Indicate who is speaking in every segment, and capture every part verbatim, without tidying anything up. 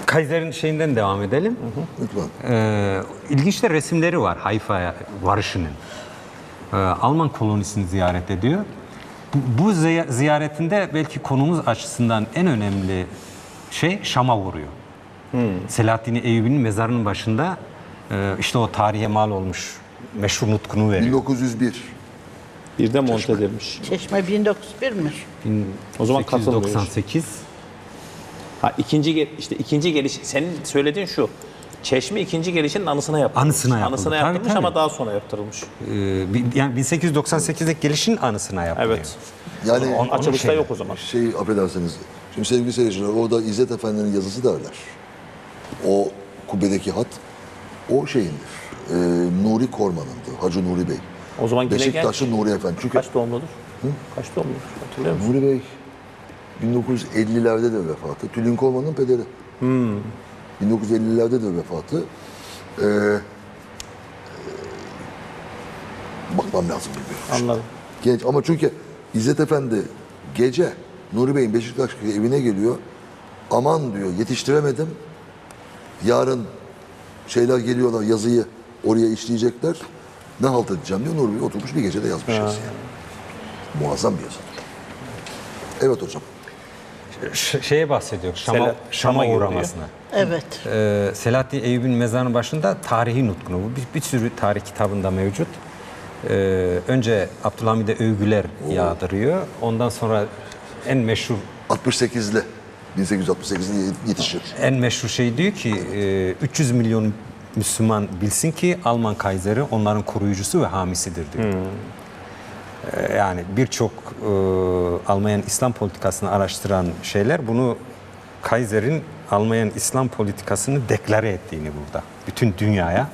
Speaker 1: Kaiser'in şeyinden devam edelim.
Speaker 2: Hı hı. Lütfen.
Speaker 1: Ee, ilginç de resimleri var Hayfa'ya varışının. Ee, Alman kolonisini ziyaret ediyor. Bu, bu ziyaretinde belki konumuz açısından en önemli şey Şam'a vuruyor. Hmm. Selahaddin Eyyubi'nin mezarının başında e, işte o tarihe mal olmuş meşhur nutkunu veriyor.
Speaker 2: bin dokuz yüz bir.
Speaker 3: Birde monte edilmiş.
Speaker 4: Çeşme bin dokuz yüz bir'miş.
Speaker 3: O zaman
Speaker 1: bin sekiz yüz doksan sekiz.
Speaker 3: Ha ikinci gel işte ikinci geliş senin söylediğin şu. Çeşme ikinci gelişinin anısına yaptırılmış.
Speaker 1: Anısına yapıldı.
Speaker 3: Anısına
Speaker 1: Tabii,
Speaker 3: yaptırılmış
Speaker 1: tabii.
Speaker 3: ama daha sonra yaptırılmış.
Speaker 1: Ee, yani bin sekiz yüz doksan sekizdeki gelişin anısına yapılıyor.
Speaker 3: Evet.
Speaker 2: Yani
Speaker 3: Onun açılışta
Speaker 1: şey-
Speaker 3: yok o zaman.
Speaker 2: şey affedersiniz. Şimdi sevgili seyirciler orada İzzet Efendi'nin yazısı derler. O kubbedeki hat o şeyindir. Ee, Nuri Korman'ındı. Hacı Nuri Bey.
Speaker 3: O zaman yine
Speaker 2: Beşiktaşlı
Speaker 3: genç.
Speaker 2: Nuri Efendi. Çünkü
Speaker 3: Kaç doğumludur? Hı? Kaç doğumludur? Hatırlıyor musun?
Speaker 2: Nuri Bey bin dokuz yüz ellilerde de vefatı. Tülin Korman'ın pederi.
Speaker 3: Hmm.
Speaker 2: bin dokuz yüz ellilerde de vefatı. Ee, e, bakmam lazım bilmiyorum.
Speaker 3: Anladım.
Speaker 2: Genç ama çünkü İzzet Efendi gece Nuri Bey'in Beşiktaş'taki evine geliyor. Aman diyor yetiştiremedim. Yarın şeyler geliyorlar yazıyı oraya işleyecekler. Ne halt edeceğim diyor. Nuri Bey oturmuş bir gecede yazmış yazıyı. Muazzam bir yazı. Evet hocam.
Speaker 1: Ş- şeye bahsediyor. Şam'a,
Speaker 3: Sela-
Speaker 1: Şam'a
Speaker 3: Şam'a
Speaker 1: uğramasına.
Speaker 4: Evet.
Speaker 1: Ee, Selahaddin Eyyubi'nin mezarının başında tarihi nutkunu. Bu bir, bir sürü tarih kitabında mevcut. Ee, önce Abdülhamid'e övgüler yağdırıyor. Ondan sonra en meşhur
Speaker 2: altmış sekizli. bin sekiz yüz altmış sekizde yetişir.
Speaker 1: en meşhur şey diyor ki e, üç yüz milyon Müslüman bilsin ki Alman Kaiser'i onların koruyucusu ve hamisidir diyor. Ee, yani birçok e, Almanya'nın İslam politikasını araştıran şeyler bunu Kaiser'in Almanya'nın İslam politikasını deklare ettiğini burada. Bütün dünyaya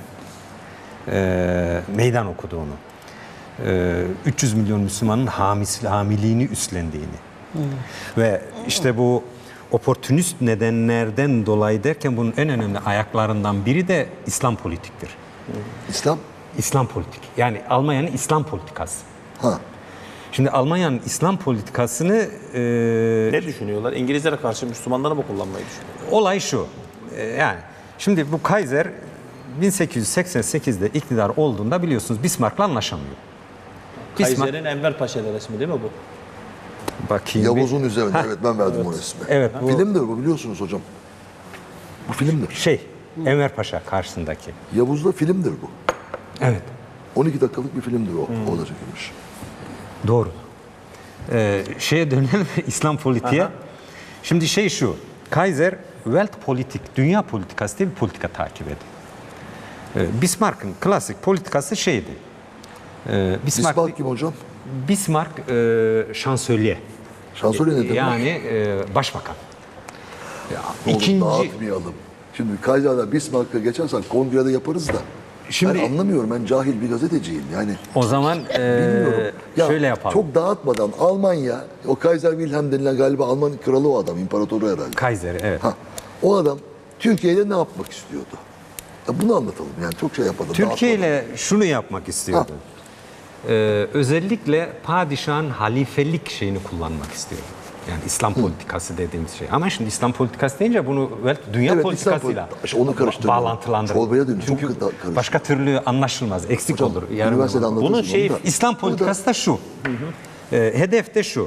Speaker 1: e, meydan okuduğunu. E, üç yüz milyon Müslümanın hamisi, hamiliğini üstlendiğini. Ve işte bu oportunist nedenlerden dolayı derken bunun en önemli ayaklarından biri de İslam politiktir.
Speaker 2: İslam?
Speaker 1: İslam politik. Yani Almanya'nın İslam politikası.
Speaker 2: Ha.
Speaker 1: Şimdi Almanya'nın İslam politikasını e,
Speaker 3: Ne düşünüyorlar? İngilizlere karşı Müslümanları mı kullanmayı düşünüyorlar?
Speaker 1: olay şu. E, yani şimdi bu Kaiser bin sekiz yüz seksen sekizde iktidar olduğunda biliyorsunuz Bismarck'la anlaşamıyor. Bismarck,
Speaker 3: Kaiser'in Enver Paşa'da resmi değil mi bu?
Speaker 1: bakayım bir-
Speaker 2: Yavuz'un üzerinde. Evet ben verdim o resmi.
Speaker 1: Evet, bu-
Speaker 2: Filmdir bu biliyorsunuz hocam. Bu filmdir.
Speaker 1: şey Enver Paşa karşısındaki.
Speaker 2: Yavuz'da filmdir bu.
Speaker 1: Evet.
Speaker 2: on iki dakikalık bir filmdir o. O da çekilmiş.
Speaker 1: Doğru. Ee, şeye dönelim İslam politiğe.
Speaker 3: Aha.
Speaker 1: Şimdi şey şu. Kaiser Welt politik, dünya politikası diye bir politika takip ediyor. Ee, Bismarck'ın klasik politikası şeydi. Ee, Bismarck,
Speaker 2: Bismarck kim hocam?
Speaker 1: Bismarck e, şansölye.
Speaker 2: Şansölye ne demek?
Speaker 1: Yani e, başbakan. Ya,
Speaker 2: Oğlum
Speaker 1: ikinci
Speaker 2: dağıtmayalım. Şimdi Kaiser'da Bismarck'a geçersen kongrede yaparız da.
Speaker 1: Şimdi-
Speaker 2: ben anlamıyorum. Ben cahil bir gazeteciyim. Yani
Speaker 1: o zaman e,
Speaker 2: bilmiyorum. Ya,
Speaker 1: şöyle yapalım.
Speaker 2: Çok dağıtmadan Almanya, o Kaiser Wilhelm denilen galiba Alman kralı o adam, imparatoru herhalde.
Speaker 1: Kaiser evet.
Speaker 2: Ha, o adam Türkiye'de ne yapmak istiyordu? Ya bunu anlatalım yani çok şey yapalım.
Speaker 1: Türkiye
Speaker 2: dağıtmadan.
Speaker 1: ile şunu yapmak istiyordu. Ee, özellikle padişahın halifelik şeyini kullanmak istiyordu. Yani İslam politikası dediğimiz şey. Ama şimdi İslam politikası deyince bunu belki dünya
Speaker 2: Evet,
Speaker 1: politikasıyla
Speaker 2: İslam politi- onu karıştırma.
Speaker 1: bağlantılandırır.
Speaker 2: Çorbaya dönüyor, çok
Speaker 1: Çünkü
Speaker 2: karıştı.
Speaker 1: başka türlü anlaşılmaz, eksik
Speaker 2: Hocam,
Speaker 1: olur. yarım
Speaker 2: üniversitede
Speaker 1: olur.
Speaker 2: anlatırsın
Speaker 1: Bunun
Speaker 2: onu
Speaker 1: şeyi
Speaker 2: da.
Speaker 1: İslam politikası da şu. Ee, hedef de şu.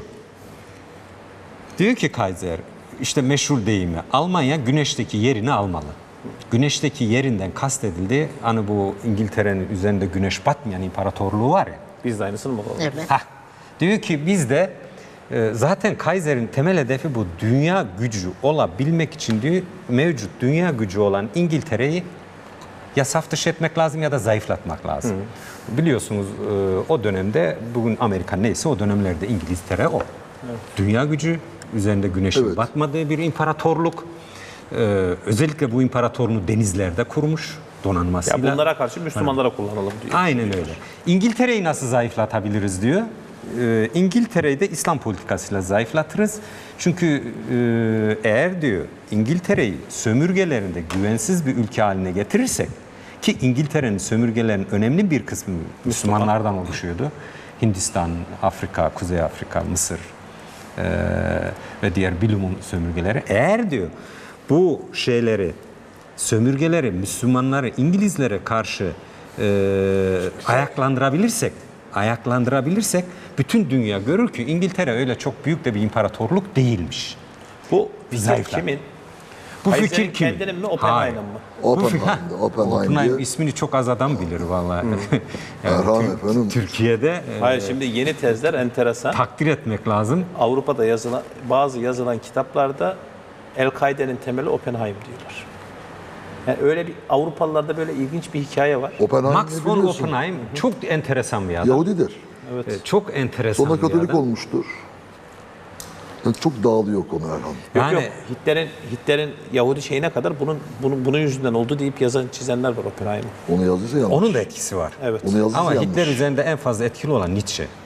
Speaker 1: Diyor ki Kaiser, işte meşhur deyimi, Almanya güneşteki yerini almalı. Güneşteki yerinden kastedildi, hani bu İngiltere'nin üzerinde güneş batmayan imparatorluğu var ya.
Speaker 3: Biz de aynısını mı olalım?
Speaker 4: Evet.
Speaker 1: Hah, diyor ki biz de e, zaten Kaiser'in temel hedefi bu dünya gücü olabilmek için diyor mevcut dünya gücü olan İngiltere'yi ya saf dışı etmek lazım ya da zayıflatmak lazım. Biliyorsunuz e, o dönemde bugün Amerika neyse o dönemlerde İngiltere o. Dünya gücü üzerinde güneşin
Speaker 2: Evet.
Speaker 1: batmadığı bir imparatorluk. E, özellikle bu imparatorluğunu denizlerde kurmuş donanmasıyla.
Speaker 3: Ya bunlara karşı Müslümanlara kullanalım diyor.
Speaker 1: Aynen öyle. İngiltere'yi nasıl zayıflatabiliriz diyor. Ee, İngiltere'yi de İslam politikasıyla zayıflatırız. Çünkü e, eğer diyor İngiltere'yi sömürgelerinde güvensiz bir ülke haline getirirsek ki İngiltere'nin sömürgelerinin önemli bir kısmı Müslümanlardan oluşuyordu. Hindistan, Afrika, Kuzey Afrika, Mısır e, ve diğer bilumum sömürgeleri. Eğer diyor bu şeyleri, sömürgeleri, Müslümanları İngilizlere karşı e, ayaklandırabilirsek, ayaklandırabilirsek bütün dünya görür ki İngiltere öyle çok büyük de bir imparatorluk değilmiş.
Speaker 3: Bu fikir
Speaker 1: Zayıflar.
Speaker 3: kimin?
Speaker 1: Bu
Speaker 3: Kaiser'in
Speaker 1: fikir kimin?
Speaker 3: kendinin mi,
Speaker 1: Hayır.
Speaker 3: Oppenheimer'ın mı?
Speaker 2: Oppenheim'de, Oppenheim
Speaker 1: Oppenheim
Speaker 2: diye.
Speaker 1: ismini çok az adam bilir vallahi.
Speaker 2: Erhan
Speaker 1: Tür-
Speaker 2: efendim.
Speaker 1: Türkiye'de e,
Speaker 3: Hayır, şimdi yeni tezler enteresan.
Speaker 1: takdir etmek lazım.
Speaker 3: Avrupa'da yazılan bazı yazılan kitaplarda El-Kaide'nin temeli Oppenheim diyorlar. Yani öyle bir Avrupalılarda böyle ilginç bir hikaye var.
Speaker 2: Oppenheim
Speaker 1: Max
Speaker 2: ne
Speaker 1: von
Speaker 2: biliyorsun?
Speaker 1: Oppenheim çok enteresan bir adam.
Speaker 2: Yahudidir.
Speaker 3: Evet.
Speaker 1: E, Çok enteresan
Speaker 2: Sonra
Speaker 1: bir
Speaker 2: Katolik
Speaker 1: adam.
Speaker 2: olmuştur. Yani çok dağılıyor konu Erhan.
Speaker 3: Yok
Speaker 1: Yani
Speaker 3: yok, Hitler'in Hitler'in Yahudi şeyine kadar bunun bunun bunun yüzünden oldu deyip yazan çizenler var Oppenheim'i.
Speaker 2: Onu yazdıysa yanlış.
Speaker 1: onun da etkisi var.
Speaker 3: Evet.
Speaker 2: Onu yazdıysa
Speaker 1: Ama
Speaker 2: yanlış.
Speaker 1: Hitler üzerinde en fazla etkili olan Nietzsche.